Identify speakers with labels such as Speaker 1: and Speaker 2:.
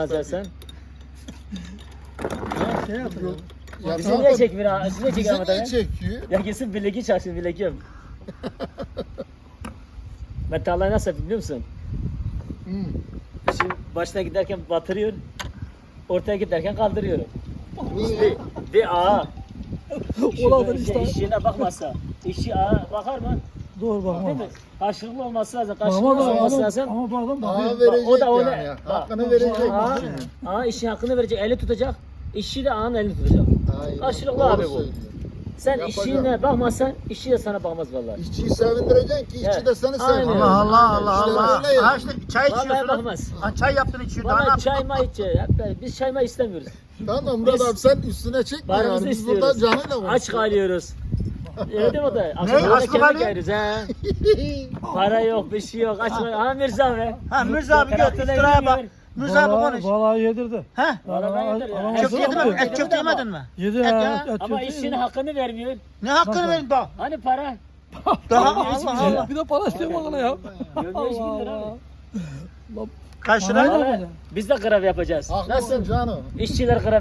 Speaker 1: Sen.
Speaker 2: Ya şey yapıyor.
Speaker 3: Ya
Speaker 1: Bizi
Speaker 3: tamam
Speaker 1: niye
Speaker 3: da
Speaker 1: çekmiyor ha? Bizi niye
Speaker 3: bizi
Speaker 1: çekiyor
Speaker 3: niye
Speaker 1: ama
Speaker 3: çekiyor?
Speaker 1: Ya kesin bileki çarşı bilekim. Ben tarlayı nasıl yapayım biliyor musun?
Speaker 3: Hmm.
Speaker 1: Şimdi başına giderken batırıyor. Ortaya giderken kaldırıyorum.
Speaker 3: Niye?
Speaker 1: Bir ağa.
Speaker 2: Olanlar işte.
Speaker 1: İşçiliğine bakmazsa. İşçi ağa bakar mı?
Speaker 2: Doğru
Speaker 1: Değil
Speaker 2: bakma.
Speaker 1: mi? Karşılıklı olması lazım.
Speaker 2: Ama
Speaker 1: Karşılıklı olması
Speaker 2: da
Speaker 1: lazım.
Speaker 2: ama bu adam
Speaker 3: Ağa
Speaker 2: bakıyor.
Speaker 3: verecek
Speaker 1: o da onu-
Speaker 3: yani.
Speaker 1: bak,
Speaker 3: Hakkını verecek.
Speaker 1: Ağa, ağa işin hakkını verecek. Eli tutacak. İşçi de ağanın elini tutacak.
Speaker 3: Aynen,
Speaker 1: Karşılıklı
Speaker 3: doğru
Speaker 1: abi bu.
Speaker 3: söylüyor.
Speaker 1: Sen
Speaker 3: Yapacağım.
Speaker 1: işçiliğine bakmazsan işçi de sana bakmaz vallahi.
Speaker 3: İşçiyi sevindireceksin ki işçi
Speaker 1: Evet.
Speaker 3: de seni
Speaker 1: Aynen.
Speaker 3: sevsin.
Speaker 4: Allah Allah
Speaker 3: İşte
Speaker 4: Allah.
Speaker 3: öyle ya.
Speaker 4: Ha işte çay
Speaker 1: Vallahi
Speaker 4: içiyorsun.
Speaker 1: bakmaz.
Speaker 4: Ha, çay yaptın içiyor. Daha ne
Speaker 1: Vallahi
Speaker 4: yapayım?
Speaker 1: çay may içe. Biz çay may istemiyoruz.
Speaker 3: Tamam Murat
Speaker 1: Biz-
Speaker 3: abi sen üstüne çekme
Speaker 1: Paramızı
Speaker 3: yani. Biz burada
Speaker 1: istiyoruz.
Speaker 3: canıyla konuşuyoruz.
Speaker 1: Aç kalıyoruz. Öyle değil mi o da? Akşam
Speaker 4: Aç mı
Speaker 1: kemik
Speaker 4: kalıyor?
Speaker 1: yeriz ha. Para yok, bir şey yok. Aç kalıyor. Ha Mirza abi.
Speaker 4: Ha Mirza abi götür
Speaker 1: Tarafta
Speaker 4: istiraya bak.
Speaker 1: yemiyor.
Speaker 4: Mirza abi konuş.
Speaker 2: Vallahi yedirdi.
Speaker 4: Ha?
Speaker 1: Vallahi ben yedir ya.
Speaker 2: Alamaz
Speaker 4: Çok
Speaker 2: mı?
Speaker 4: yedin mi?
Speaker 2: Yedi
Speaker 4: Et çok yemedin mi?
Speaker 2: Yedi
Speaker 4: Et
Speaker 2: ya.
Speaker 4: ya.
Speaker 1: Ama
Speaker 2: kötü
Speaker 1: işçinin
Speaker 2: yedi.
Speaker 1: hakkını vermiyor.
Speaker 4: Ne hakkını
Speaker 2: Nasıl?
Speaker 4: verin daha?
Speaker 1: Hani para?
Speaker 4: Daha
Speaker 1: Hiçbir
Speaker 4: Allah
Speaker 1: şey
Speaker 4: Allah.
Speaker 1: yok.
Speaker 2: Bir de para istiyor bana ya.
Speaker 1: Gömleği 2 bin lira abi.
Speaker 4: Kaç
Speaker 2: Bana
Speaker 4: lira?
Speaker 2: ne
Speaker 1: Vallahi
Speaker 2: yapacak?
Speaker 1: Biz de grev yapacağız.
Speaker 3: Haklısın
Speaker 1: Nasıl?
Speaker 3: canım.
Speaker 1: İşçiler grev